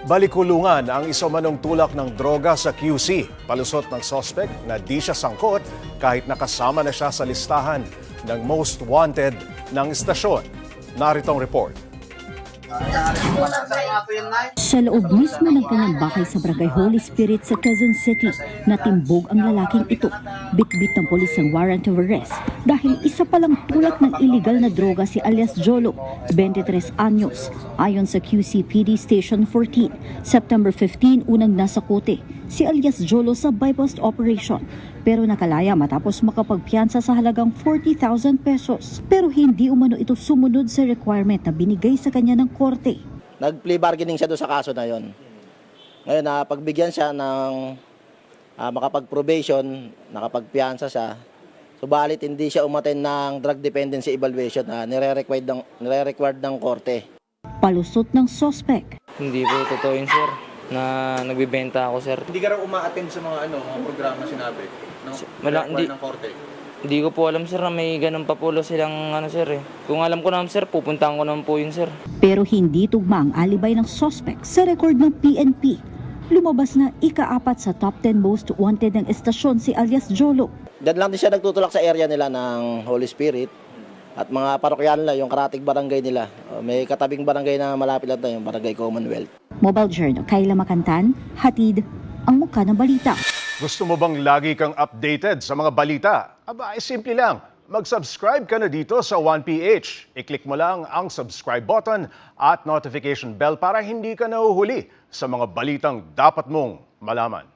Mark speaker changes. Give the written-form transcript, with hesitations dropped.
Speaker 1: Balikulungan ang isumanong tulak ng droga sa QC. Palusot ng sospek na di siya sangkot kahit nakasama na siya sa listahan ng most wanted ng istasyon. Narito ang report.
Speaker 2: Sa loob mismo ng kanyang bahay sa Barangay Holy Spirit sa Quezon City, natimbog ang lalaking ito. Bitbit ng polis ang warrant of arrest dahil isa palang tulak ng illegal na droga si alias Jolo, 23 anyos. Ayon sa QCPD Station 14, September 15 unang nasa kote si alias Jolo sa bypass operation pero nakalaya matapos makapagpiyansa sa halagang 40,000 pesos. Pero hindi umano ito sumunod sa requirement na binigay sa kanya ng korte.
Speaker 3: Nag-plea bargaining siya doon sa kaso na yon. Ngayon, pagbigyan siya ng makapag-probation, nakapagpiyansa siya, subalit hindi siya umattend ng drug dependency evaluation na nire-required ng korte.
Speaker 2: Palusot ng sospek.
Speaker 4: Hindi po totoo yun, sir, na nagbibenta ako, sir.
Speaker 5: Hindi ka raw uma-attend sa mga mga programa sinabi ng korte.
Speaker 4: Hindi ko po alam, sir, na may ganun pa po silang sir eh. Kung alam ko naman, sir, pupuntahan ko naman po yun, sir.
Speaker 2: Pero hindi tugma ang alibay ng sospek sa record ng PNP. Lumabas na ika-4 sa top 10 most wanted ng estasyon si alias Jolo.
Speaker 3: Diyan lang din siya nagtutulak sa area nila ng Holy Spirit at mga parokyan nila, yung karatig barangay nila. May katabing barangay na malapit lang tayo, yung Barangay Commonwealth.
Speaker 2: Mobile Journal, Kayla Makantan, hatid ang mukha ng balita.
Speaker 1: Gusto mo bang lagi kang updated sa mga balita? Aba, simple lang. Mag-subscribe ka na dito sa 1PH. I-click mo lang ang subscribe button at notification bell para hindi ka nahuhuli sa mga balitang dapat mong malaman.